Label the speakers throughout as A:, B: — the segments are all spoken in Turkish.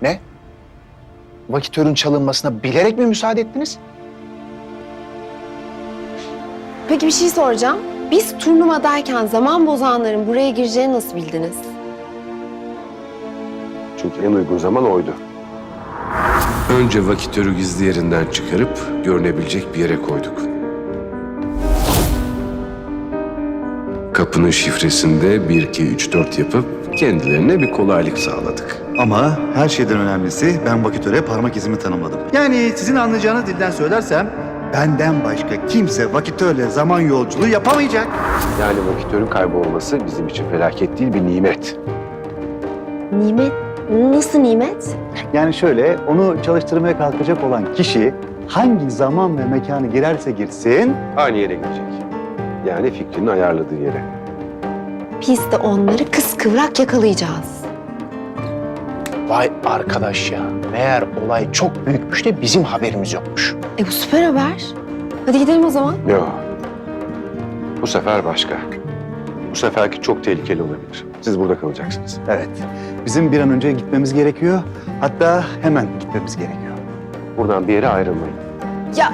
A: Ne? Vakitörün çalınmasına bilerek mi müsaade ettiniz?
B: Peki bir şey soracağım. Biz turnuvadayken zaman bozanların buraya gireceğini nasıl bildiniz?
C: Çünkü en uygun zaman oydu. Önce vakitörü gizli yerinden çıkarıp görünebilecek bir yere koyduk. Kapının şifresinde 1, 2, 3, 4 yapıp kendilerine bir kolaylık sağladık.
D: Ama her şeyden önemlisi ben vakitöre parmak izimi tanımladım. Yani sizin anlayacağınız dilden söylersem benden başka kimse vakitörle zaman yolculuğu yapamayacak.
C: Yani vakitörün kaybolması bizim için felaket değil, bir nimet.
B: Nimet? Nasıl nimet?
D: Yani şöyle, onu çalıştırmaya kalkacak olan kişi hangi zaman ve mekanı girerse girsin...
C: Aynı yere gidecek. Yani fikrinin ayarladığı yere.
B: Biz de onları kıskıvrak yakalayacağız.
A: Vay arkadaş ya. Meğer olay çok büyükmüş de bizim haberimiz yokmuş.
B: Bu süper haber. Hadi gidelim o zaman.
C: Yok. Bu sefer başka. Bu seferki çok tehlikeli olabilir. Siz burada kalacaksınız.
D: Evet, bizim bir an önce gitmemiz gerekiyor. Hatta hemen gitmemiz gerekiyor.
C: Buradan bir yere ayrılmayın.
B: Ya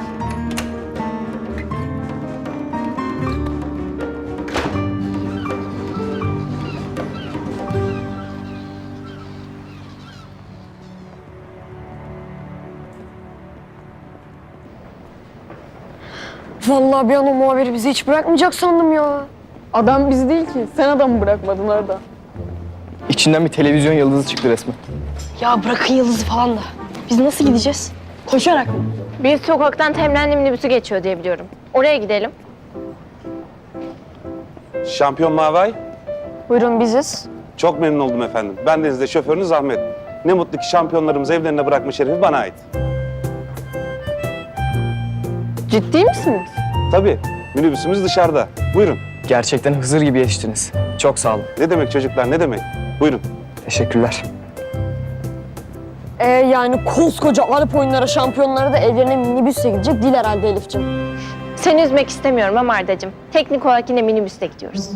E: Vallahi bir an o muhabiri bizi hiç bırakmayacak sandım ya.
F: Adam biz değil ki. Sen adamı bırakmadın orada.
G: İçinden bir televizyon yıldızı çıktı resmen.
E: Ya bırakın Yıldız'ı falan da. Biz nasıl gideceğiz? Koşarak mı?
H: Bir sokaktan Temrenli minibüsü geçiyor diye biliyorum. Oraya gidelim.
I: Şampiyon Mavay,
E: Buyurun biziz.
I: çok memnun oldum efendim. Bendeniz de şoförünüz Ahmet. Ne mutlu ki şampiyonlarımızı evlerine bırakma şerefi bana ait.
F: Ciddi misiniz?
I: Tabii, minibüsümüz dışarıda. Buyurun.
G: Gerçekten Hızır gibi yetiştiniz. Çok sağ olun.
I: Ne demek çocuklar, ne demek? Buyurun.
G: Teşekkürler.
E: Yani koskoca Arap oyunları şampiyonları da evlerine minibüsle gidecek değil herhalde Elif'ciğim.
H: Seni üzmek istemiyorum ama Arda'cığım. Teknik olarak yine minibüste gidiyoruz.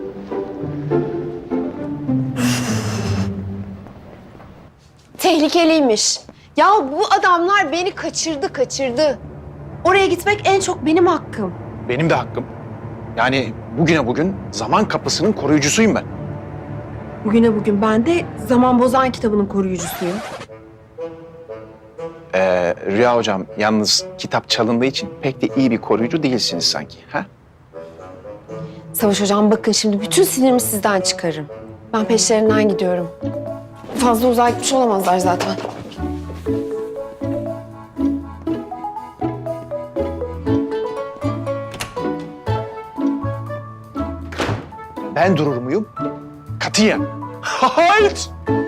B: tehlikeliymiş. Ya bu adamlar beni kaçırdı. Oraya gitmek en çok benim hakkım.
A: Benim de hakkım. Yani bugüne bugün zaman kapısının koruyucusuyum ben.
B: Bugüne bugün ben de Zaman Bozan kitabının koruyucusuyum.
A: Rüya hocam yalnız kitap çalındığı için pek de iyi bir koruyucu değilsiniz sanki. Ha?
B: Savaş hocam bakın şimdi bütün sinirimi sizden çıkarırım. Ben peşlerinden gidiyorum. Fazla uzağa gitmiş olamazlar zaten.
A: Ben durur muyum? Katiyen. Hayır.